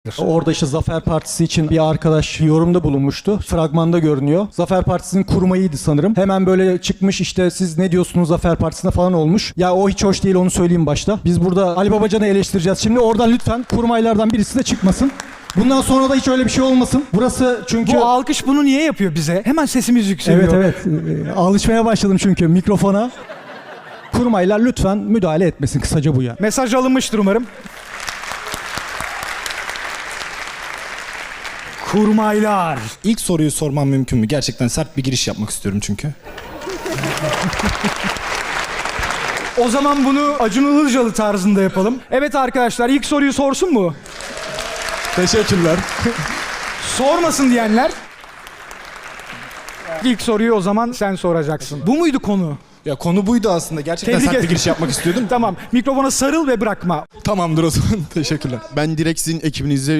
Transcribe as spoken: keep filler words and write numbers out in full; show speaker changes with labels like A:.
A: Orada işte Zafer Partisi için bir arkadaş yorumda bulunmuştu. Fragmanda görünüyor. Zafer Partisi'nin kurmayıydı sanırım. Hemen böyle çıkmış işte siz ne diyorsunuz Zafer Partisi'ne falan olmuş. Ya o hiç hoş değil, onu söyleyeyim başta. Biz burada Ali Babacan'ı eleştireceğiz. Şimdi oradan lütfen kurmaylardan birisi de çıkmasın. Bundan sonra da hiç öyle bir şey olmasın. Burası çünkü...
B: Bu alkış bunu niye yapıyor bize? Hemen sesimiz yükseliyor.
A: Evet evet. Ee, Alışmaya başladım çünkü mikrofona. Kurmaylar lütfen müdahale etmesin. Kısaca bu ya.
B: Mesaj alınmıştır umarım. Kurmaylar.
C: İlk soruyu sormam mümkün mü? Gerçekten sert bir giriş yapmak istiyorum çünkü.
B: O zaman bunu Acun Ilıcalı tarzında yapalım. Evet arkadaşlar, ilk soruyu sorsun mu?
C: Teşekkürler.
B: Sormasın diyenler. İlk soruyu o zaman sen soracaksın. Bu muydu konu?
C: Ya konu buydu aslında. Gerçekten
B: Tebrik
C: sert bir
B: ederim.
C: giriş yapmak istiyordum.
B: Tamam, mikrofona sarıl ve bırakma.
C: Tamamdır o zaman. Teşekkürler.
D: Ben direkt sizin ekibinize